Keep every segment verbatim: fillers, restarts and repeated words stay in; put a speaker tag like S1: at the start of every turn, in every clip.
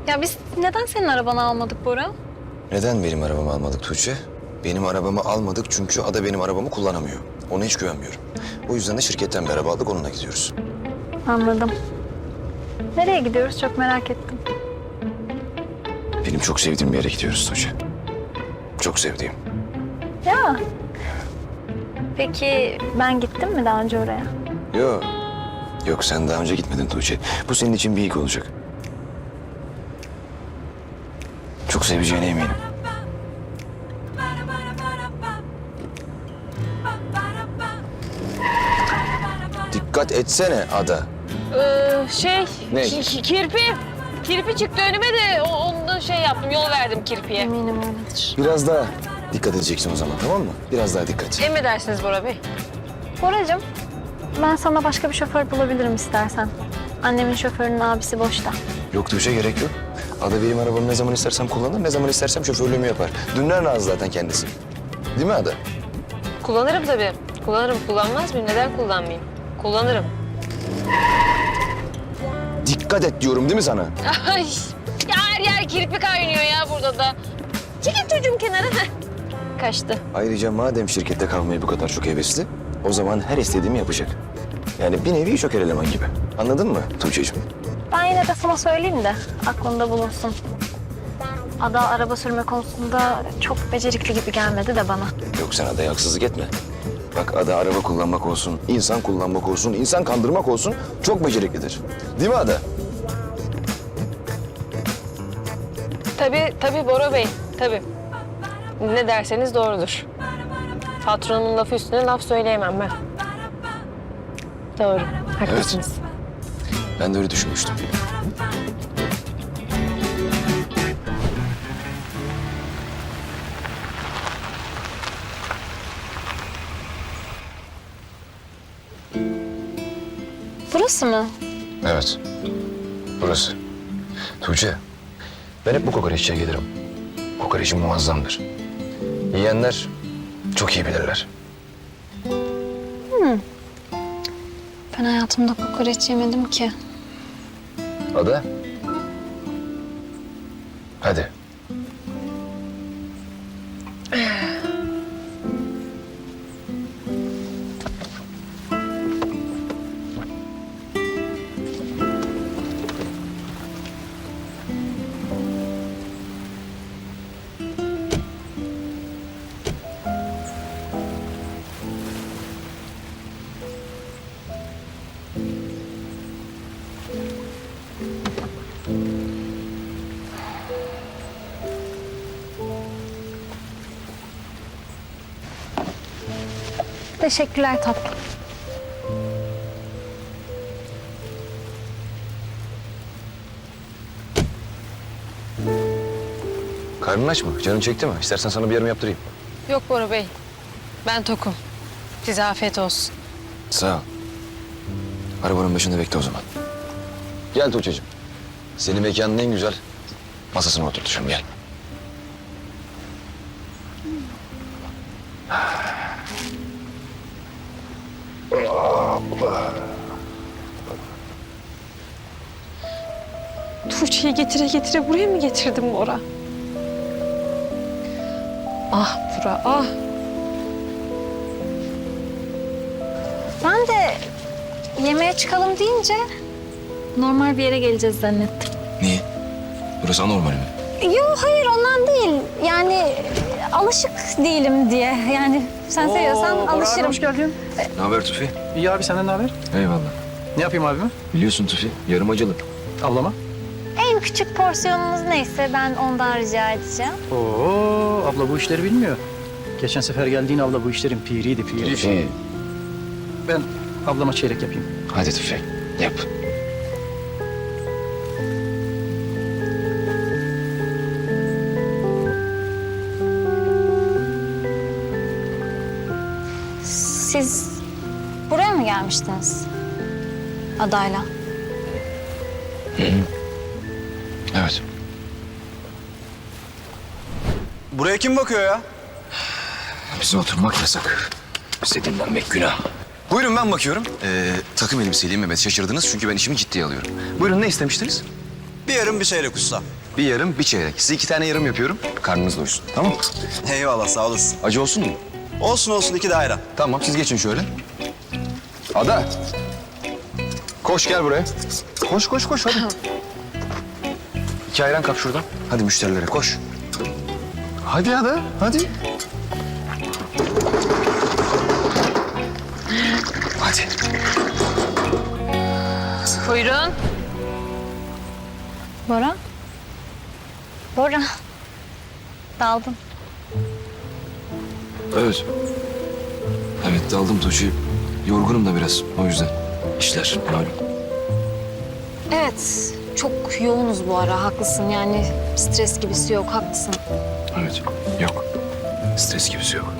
S1: Ya biz neden senin arabanı almadık Bora?
S2: Neden benim arabamı almadık Tuğçe? Benim arabamı almadık çünkü Ada benim arabamı kullanamıyor. Ona hiç güvenmiyorum. O yüzden de şirketten bir araba aldık, onunla gidiyoruz.
S1: Anladım. Nereye gidiyoruz çok merak ettim.
S2: Benim çok sevdiğim bir yere gidiyoruz Tuğçe. Çok sevdiğim.
S1: Ya. Peki ben gittim mi daha önce oraya?
S2: Yok. Yok, sen daha önce gitmedin Tuğçe. Bu senin için bir ilk olacak. Çok seveceğine eminim. Dikkat etsene Ada.
S3: Ee, şey,
S2: Ne?
S3: ki- ki- kirpi. Kirpi çıktı önüme de o- ondan şey yaptım, yol verdim kirpiye.
S1: Eminim öyledir.
S2: Biraz daha dikkat edeceksin o zaman, tamam mı? Biraz daha dikkat.
S3: Emredersiniz Bora Bey.
S1: Boracığım, ben sana başka bir şoför bulabilirim istersen. Annemin şoförünün abisi boşta.
S2: Yok Tuğçe, gerek yok. Ada benim arabamı ne zaman istersem kullanır, ne zaman istersem şoförlüğümü yapar. Dünden razı zaten kendisi. Değil mi Ada?
S3: Kullanırım tabii. Kullanırım. Kullanmaz mıyım? Neden kullanmayayım? Kullanırım.
S2: Dikkat et diyorum değil mi sana?
S3: Ay, ya her yer kirpi kaynıyor ya burada da. Çekil çocuğum kenara. Heh. Kaçtı.
S2: Ayrıca madem şirkette kalmayı bu kadar çok hevesli, o zaman her istediğimi yapacak. Yani bir nevi şoker eleman gibi. Anladın mı Tuğçe'ciğim?
S1: Ben yine de sana söyleyeyim de aklında bulunsun. Ada araba sürme konusunda çok becerikli gibi gelmedi de bana.
S2: Yok, sen Ada'ya haksızlık etme. Bak, Ada araba kullanmak olsun, insan kullanmak olsun, insan kandırmak olsun çok beceriklidir. Değil mi Ada?
S3: Tabii, tabii Bora Bey. Tabii. Ne derseniz doğrudur. Patronumun lafı üstüne laf söyleyemem ben. Doğru. Haklısınız.
S2: Ben de öyle düşünmüştüm.
S1: Burası mı?
S2: Evet. Burası. Tuğçe, ben hep bu kokoreççiye gelirim. Kokoreçim muazzamdır. Yiyenler çok iyi bilirler.
S1: Ben hayatımda kokoreç yemedim ki.
S2: Ada? Hadi.
S1: Teşekkürler tatlım.
S2: Karnın aç mı? Canın çekti mi? İstersen sana bir yarım yaptırayım.
S3: Yok Bora Bey. Ben tokum. Size afiyet olsun.
S2: Sağ ol. Arabanın başında bekle o zaman. Gel Tuğçe'cim. Seni mekanın en güzel masasına oturtacağım. Gel.
S3: Tuğçe'yi getire getire buraya mı getirdim Bora? Ah Bora, ah.
S1: Ben de yemeğe çıkalım deyince normal bir yere geleceğiz zannettim.
S2: Niye? Burası anormal mi?
S1: Yok hayır ondan değil. Yani alışık değilim diye. Yani sen seviyorsan
S4: Oo, Bora abi,
S1: alışırım.
S4: hoş geldin.
S2: Ne haber Tufi?
S4: İyi abi, senden ne haber?
S2: Eyvallah.
S4: Ne yapayım abime?
S2: Biliyorsun Tufi, yarım acılı.
S4: Ablama?
S1: En küçük porsiyonunuz neyse ben ondan rica edeceğim.
S4: Oo, abla bu işleri bilmiyor. Geçen sefer geldiğin abla bu işlerin piriydi, piri.
S2: Tufi.
S4: Ben ablama çeyrek yapayım.
S2: Hadi Tufi, yap.
S1: Siz buraya mı gelmiştiniz? Adayla.
S2: Evet.
S5: Buraya kim bakıyor ya?
S2: Bize oturmak yasak. Bize dinlenmek günah. Buyurun, ben bakıyorum. Ee, takım elbiseliyim, evet, şaşırdınız çünkü ben işimi ciddiye alıyorum. Buyurun, ne istemiştiniz?
S5: Bir yarım bir çeyrek usta.
S2: Bir yarım, bir çeyrek. Size iki tane yarım yapıyorum. Karnınız doysun. Tamam mı?
S5: Eyvallah sağ olasın.
S2: Acı olsun mu?
S5: Olsun olsun iki de ayran.
S2: Tamam, siz geçin şöyle. Ada. Koş gel buraya. Koş, koş, koş hadi. İki ayran kap şuradan. Hadi müşterilere koş. Hadi Ada, hadi. Hadi.
S3: Buyurun.
S1: Bora? Bora. Daldın.
S2: Evet. Evet, daldım Tuğçe. Yorgunum da biraz, o yüzden. İşler malum.
S1: Evet, çok yoğunuz bu ara. Haklısın yani stres gibisi yok. Haklısın.
S2: Evet, yok. Stres gibisi yok.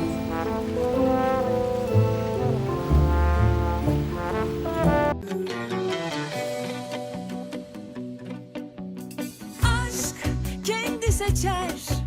S6: aşk kendi seçer